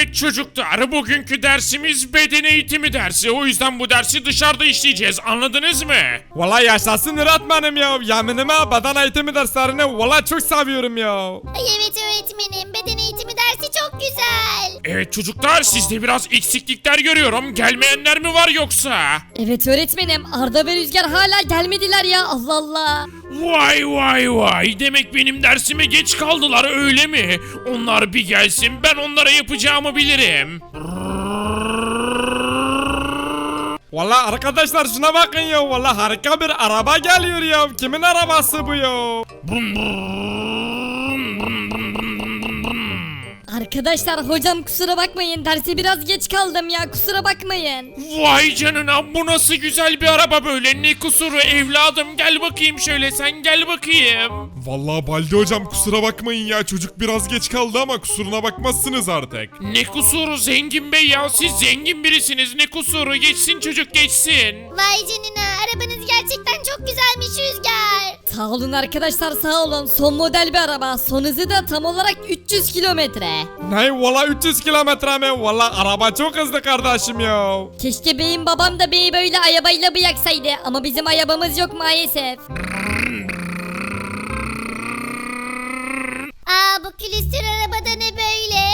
Evet çocuklar, bugünkü dersimiz beden eğitimi dersi. O yüzden bu dersi dışarıda işleyeceğiz. Anladınız mı? Valla yaşasın öğretmenim ya. Yeminime beden eğitimi derslerini valla çok seviyorum ya. Ay evet öğretmenim, beden eğitimi dersi çok güzel. Evet çocuklar, sizde biraz eksiklikler görüyorum. Gelmeyenler mi var yoksa? Evet öğretmenim, Arda ve Rüzgar hala gelmediler ya, Allah Allah. Vay vay vay. Demek benim dersime geç kaldılar, öyle mi? Onlar bir gelsin, ben onlara yapacağımı bilirim. Valla arkadaşlar şuna bakın ya. Valla harika bir araba geliyor ya. Kimin arabası bu ya? Arkadaşlar hocam kusura bakmayın, derse biraz geç kaldım ya, kusura bakmayın. Vay canına, bu nasıl güzel bir araba böyle, ne kusuru evladım, gel bakayım şöyle, sen gel bakayım. Vallahi Baldi hocam kusura bakmayın ya, çocuk biraz geç kaldı ama kusuruna bakmazsınız artık. Ne kusuru zengin bey ya, siz zengin birisiniz, ne kusuru, geçsin çocuk geçsin. Vay canına, arabanız gerçekten çok güzelmiş Rüzgar. Sağ olun arkadaşlar, sağ olun. Son model bir araba, son hızı da tam olarak 300 kilometre. Ne valla 300 kilometre mi? Valla araba çok hızlı kardeşim ya. Keşke beyim babam da beyi böyle arabayla bıraksaydı ama bizim arabamız yok maalesef. Aa, bu külüstür arabada ne böyle?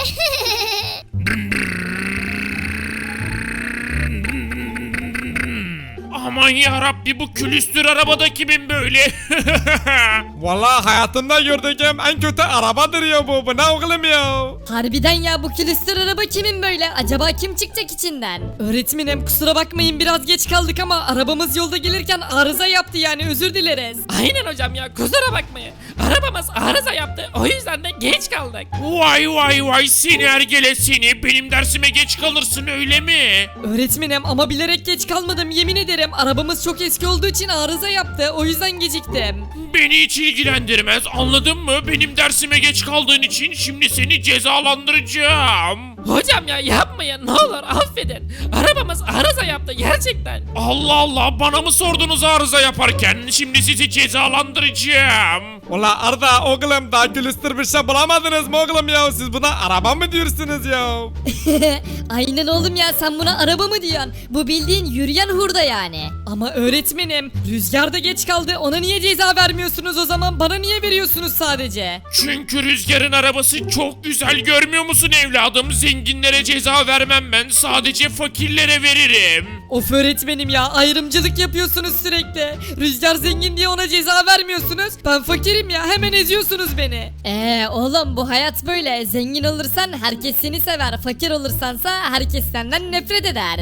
Aman yarabbi, bu külüstür arabada kimin böyle? Valla hayatımda gördüğüm en kötü arabadır ya bu. Bu ne oğlum ya? Harbiden ya, bu külüstür araba kimin böyle? Acaba kim çıkacak içinden? Öğretmenim kusura bakmayın, biraz geç kaldık ama arabamız yolda gelirken arıza yaptı, yani özür dileriz. Aynen hocam ya, kusura bakmayın. Arabamız arıza yaptı, o yüzden de geç kaldık. Vay vay vay, seni ergele seni, benim dersime geç kalırsın öyle mi? Öğretmenim ama bilerek geç kalmadım, yemin ederim. Arabamız çok eski olduğu için arıza yaptı, o yüzden geciktim. Beni hiç ilgilendirmez, anladın mı? Benim dersime geç kaldığın için şimdi seni cezalandıracağım. Hocam ya yapmayın, ne olur affedin. Arabamız arıza yaptı gerçekten. Allah Allah, bana mı sordunuz arıza yaparken? Şimdi sizi cezalandıracağım. Valla Arda oğlum daha külüstür bir şey bulamadınız mı oğlum ya? Siz buna araba mı diyorsunuz ya? Aynen oğlum ya, sen buna araba mı diyorsun? Bu bildiğin yürüyen hurda yani. Ama öğretmenim, Rüzgar da geç kaldı, ona niye ceza vermiyorsunuz o zaman? Bana niye veriyorsunuz sadece? Çünkü Rüzgar'ın arabası çok güzel, görmüyor musun evladım? Zenginlere ceza vermem ben, sadece fakirlere veririm. Of öğretmenim ya, ayrımcılık yapıyorsunuz sürekli. Rüzgar zengin diye ona ceza vermiyorsunuz. Ben fakirim ya, hemen eziyorsunuz beni. Oğlum bu hayat böyle. Zengin olursan herkes seni sever. Fakir olursansa herkes senden nefret eder.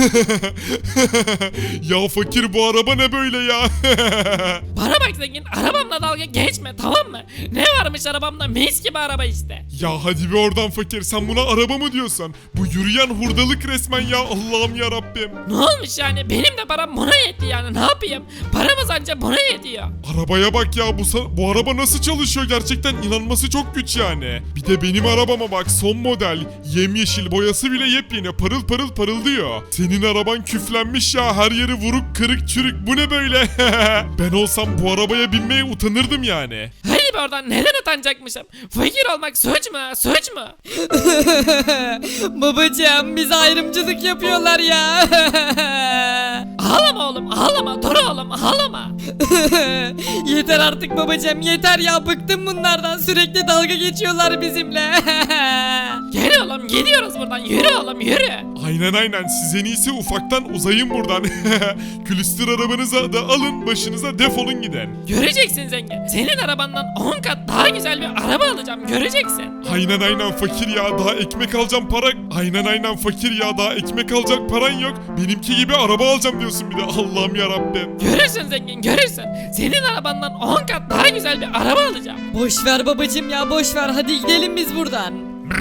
Ya fakir bu araba ne böyle ya? Bana bak zengin, arabamla dalga geçme, tamam mı? Ne varmış arabamda, mis gibi araba işte. Ya hadi bir oradan fakir, sen buna araba mı diyorsun? Bu yürüyen hurdalık resmen ya, Allah'ım ya Rabbim. Ne olmuş yani, benim de param buna yetti yani, ne yapayım? Paramız anca buna yetiyor. Arabaya bak ya, bu araba nasıl çalışıyor, gerçekten inanması çok güç yani. Bir de benim arabama bak, son model, yemyeşil, boyası bile yepyeni, parıl parıl parıldıyor. Senin araban küflenmiş ya, her yeri vuruk kırık çürük, bu ne böyle? Ben olsam bu arabaya binmeye utanırdım yani. Hadi be oradan, neden utanacakmışım? Fakir olmak suç mu, suç mu? Babacığım, bize ayrımcılık yapıyorlar ya. Ağlama oğlum, ağlama, dur oğlum, ağlama. Yeter artık babacığım, yeter ya, bıktım bunlardan, sürekli dalga geçiyorlar bizimle. Gel oğlum, gidiyoruz buradan, yürü oğlum, yürü. Aynen siz en iyisi ufaktan uzayın buradan. Külüstür arabanızı da alın, başınıza defolun gidin. Göreceksin zengin, senin arabandan 10 kat daha güzel bir araba alacağım, göreceksin. Aynen fakir ya, daha ekmek alacağım para. Aynen fakir ya, daha ekmek alacak paran yok. Benimki gibi araba alacağım diyorsun bir de, Allah'ım ya Rabbim. Görürsün zengin, görürsün. Senin arabandan 10 kat daha güzel bir araba alacağım. Boş ver babacığım ya, boş ver, hadi gidelim biz buradan.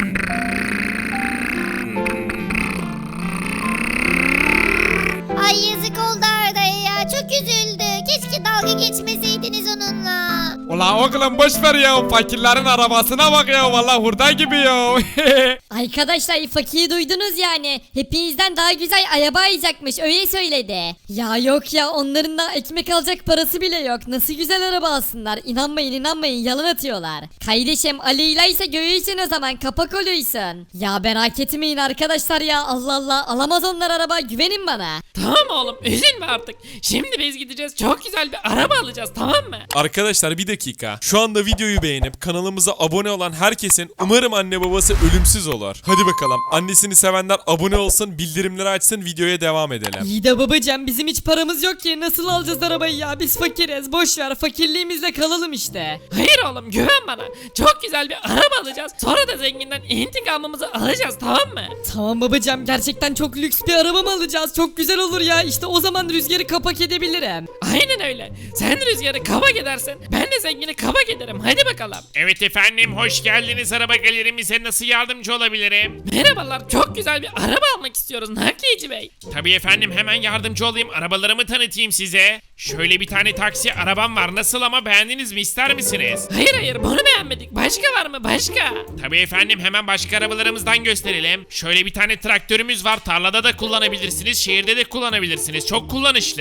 Ay yazık oldu Arda'ya ya, çok üzüldü. Keşke dalga geçmeseydiniz onunla. Valla oğlum boş ver ya. Fakirlerin arabasına bak ya. Valla hurda gibi ya. Arkadaşlar fakiri duydunuz yani. Hepinizden daha güzel araba alacakmış öyle söyledi. Ya yok ya onların da ekmek alacak parası bile yok. Nasıl güzel araba alsınlar. İnanmayın yalan atıyorlar. Kardeşim Ali ile ise görürsün o zaman kapak oluyorsun. Ya merak etmeyin arkadaşlar ya Allah Allah alamaz onlar araba güvenin bana. Tamam oğlum üzülme artık. Şimdi biz gideceğiz çok güzel bir araba alacağız tamam mı? Arkadaşlar bir dakika. Şu anda videoyu beğenip kanalımıza abone olan herkesin umarım anne babası ölümsüz olur. Hadi bakalım. Annesini sevenler abone olsun, bildirimleri açsın, videoya devam edelim. İyi de babacığım bizim hiç paramız yok ki nasıl alacağız arabayı ya biz fakiriz boş ver fakirliğimizle kalalım işte. Hayır oğlum güven bana. Çok güzel bir araba alacağız. Sonra da zenginden intikamımızı alacağız tamam mı? Tamam babacığım gerçekten çok lüks bir araba mı alacağız çok güzel olur ya işte o zaman rüzgarı kapak edebilirim. Aynen öyle. Sen rüzgarı kabak edersin. Ben de zengini kabak ederim. Hadi bakalım. Evet efendim hoş geldiniz araba galerimize nasıl yardımcı olabilirim? Merhabalar. Çok güzel bir araba almak istiyoruz Nakliyeci Bey. Tabii efendim hemen yardımcı olayım arabalarımı tanıtayım size. Şöyle bir tane taksi arabam var nasıl ama beğendiniz mi ister misiniz? Hayır bunu beğenmedik. Başka var mı başka? Tabii efendim hemen başka arabalarımızdan gösterelim. Şöyle bir tane traktörümüz var tarlada da kullanabilirsiniz şehirde de kullanabilirsiniz çok kullanışlı.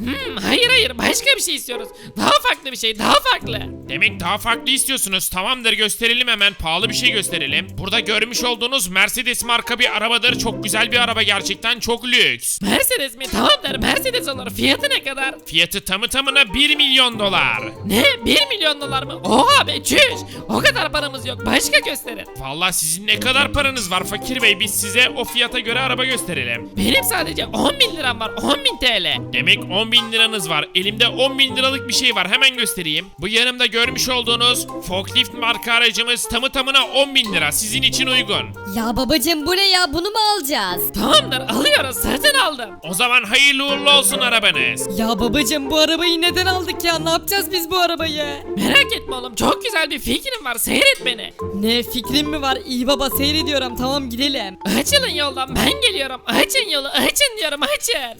Hayır başka bir şey istiyoruz. Daha farklı bir şey daha farklı. Demek daha farklı istiyorsunuz. Tamamdır gösterelim hemen. Pahalı bir şey gösterelim. Burada görmüş olduğunuz Mercedes marka bir arabadır. Çok güzel bir araba gerçekten çok lüks. Mercedes mi? Tamamdır Mercedes olur. Fiyatı ne kadar? Fiyatı tamı tamına 1 milyon dolar. Ne? 1 milyon dolar mı? Oha be çüş. O kadar paramız yok. Başka gösterin. Vallahi sizin ne kadar paranız var fakir bey? Biz size o fiyata göre araba gösterelim. Benim sadece 10 bin liram var. 10 bin TL. Demek 10 bin liranız var. Elimde 10 bin liralık bir şey var. Hemen göstereyim. Bu yanımda görmüş olduğunuz forklift marka aracımız tamı tamına 10 bin lira. Sizin için uygun. Ya babacığım bu ne ya bunu mu alacağız? Tamamdır alıyoruz. Satın aldım. O zaman hayırlı uğurlu olsun arabanız. Ya babacığım bu arabayı neden aldık ya ne yapacağız biz bu arabayı? Merak etme oğlum. Çok güzel bir fikrim var. Seyret beni. Ne fikrin mi var? İyi baba seyrediyorum tamam gidelim. Açılın yoldan. Ben geliyorum. Açın yolu. Açın diyorum. Açın.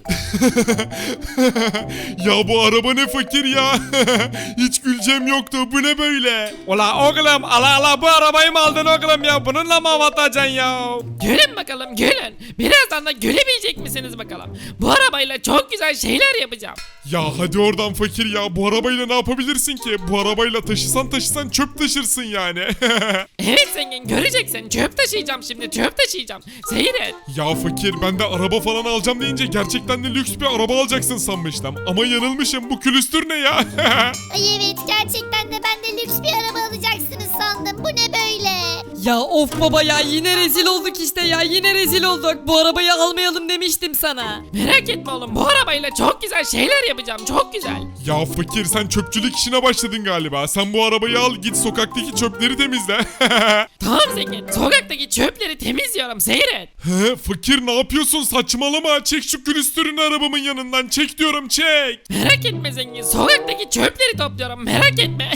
Ya bu araba ne fakir ya. Hiç güleceğim yoktu. Bu ne böyle? Ula oğlum ala bu arabayı mı aldın oğlum ya? Bununla mı hava atacaksın ya? Gülün bakalım gülün. Birazdan da gülebilecek misiniz bakalım. Bu arabayla çok güzel şeyler yapacağım. Ya hadi oradan fakir ya. Bu arabayla ne yapabilirsin ki? Bu arabayla taşısan çöp taşırsın yani. Evet zengin göreceksin. Çöp taşıyacağım şimdi. Çöp taşıyacağım. Seyret. Ya fakir ben de araba falan alacağım deyince gerçekten de lüks bir araba alacaksın sanmıştım. Ama yanılmışım. Bu külüstür ne ya? Ay evet gerçekten de ben de lüks bir araba alacaksınız sandım. Bu ne böyle? Ya of baba ya yine rezil olduk işte ya yine rezil olduk. Bu arabayı almayalım demiştim sana. Merak etme oğlum. Bu arabayla çok güzel şeyler yapacağım. Çok güzel. Ya fakir sen çöpçülük işine başladın galiba. Sen bu arabayı al git sokaktaki çöpleri temizle. Tamam zengin. Sokaktaki çöpleri temizliyorum. Seyret. He, fakir ne yapıyorsun saçmalama. Çek şu külüstürünü arabamın yanından. Çek diyorum çek. Merak etme zengin. Sokaktaki çöpleri topluyorum. Merak etme.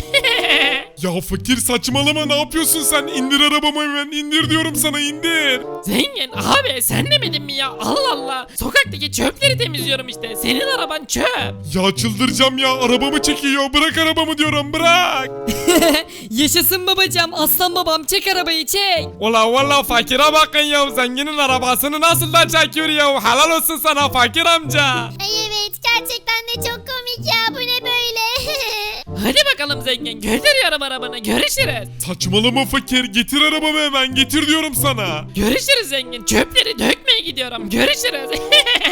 Ya fakir saçmalama ne yapıyorsun sen? İndir arabamı hemen indir diyorum sana indir. Zengin abi sen demedin mi ya? Allah Allah. Sokaktaki çöpleri temizliyorum işte. Senin araban çöp. Ya çıldıracağım ya arabamı çekiyor. Bırak arabamı diyorum bırak. Yaşasın babacığım aslan babam çek arabayı çek. Ula valla fakire bakın ya zenginin arabasını nasıl da çekiyor ya. Helal olsun sana fakir amca. Ay evet gerçekten de çok komik ya. Bu ne böyle? Hadi bakalım zengin. Götürüyorum arabanı. Görüşürüz. Saçmalama fakir getir arabamı hemen getir diyorum sana. Görüşürüz zengin. Çöpleri dökmeye gidiyorum. Görüşürüz.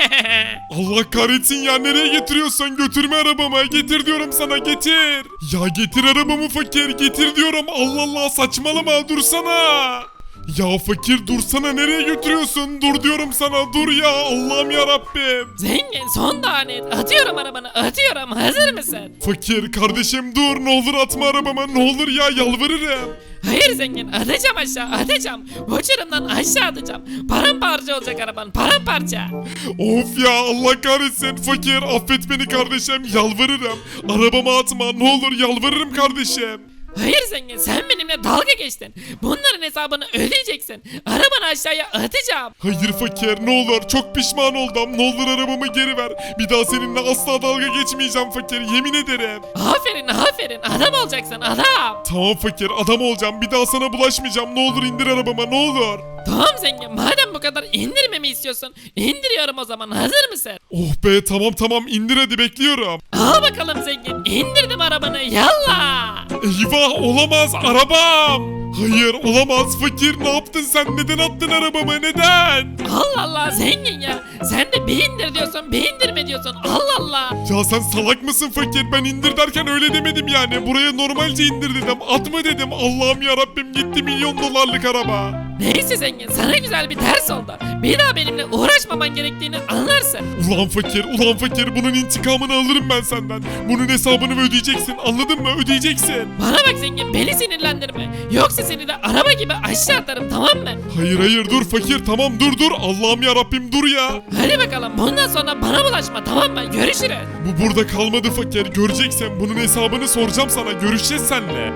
Allah kahretsin ya nereye getiriyorsan götürme arabamı getir diyorum sana getir. Ya getir arabamı fakir getir diyorum Allah Allah saçmalama dursana. Ya fakir dursana nereye götürüyorsun dur diyorum sana dur ya Allah'ım ya Rabbim. Zengin son danet. Atıyorum arabanı. Atıyorum. Hazır mısın? Fakir kardeşim dur ne olur atma arabama ne olur ya yalvarırım. Hayır zengin. Atacağım aşağı. Atacağım. Uçurumdan aşağı atacağım. Paramparça olacak araban. Paramparça. Of ya Allah kahretsin fakir affet beni kardeşim yalvarırım. Arabama atma ne olur yalvarırım kardeşim. Hayır zengin sen benimle dalga geçtin. Bunların hesabını ödeyeceksin. Arabanı aşağıya atacağım. Hayır fakir ne olur çok pişman oldum. Ne olur arabamı geri ver. Bir daha seninle asla dalga geçmeyeceğim fakir yemin ederim. Aferin aferin adam olacaksın adam. Tamam fakir adam olacağım. Bir daha sana bulaşmayacağım. Ne olur indir arabama ne olur. Tamam zengin madem bu kadar indirmemi istiyorsun indiriyorum o zaman hazır mısın? Oh be tamam indir hadi bekliyorum. Al bakalım zengin indirdim arabanı yallah. Eyvah olamaz arabam. Hayır olamaz fakir ne yaptın sen neden attın arabamı neden? Allah Allah zengin ya sen de bir indir diyorsun bir indirme diyorsun Allah Allah. Ya sen salak mısın fakir ben indir derken öyle demedim yani buraya normalce indir dedim atma dedim Allah'ım yarabbim gitti milyon dolarlık araba. Neyse zengin sana güzel bir ders oldu. Bir daha benimle uğraşmaman gerektiğini anlarsın. Ulan fakir bunun intikamını alırım ben senden. Bunun hesabını ödeyeceksin anladın mı ödeyeceksin. Bana bak zengin beni sinirlendirme. Yoksa seni de araba gibi aşağı atarım tamam mı? Hayır dur fakir tamam dur Allah'ım yarabbim dur ya. Hadi bakalım bundan sonra bana bulaşma tamam mı? Görüşürüz. Bu burada kalmadı fakir göreceksin bunun hesabını soracağım sana görüşeceğiz seninle.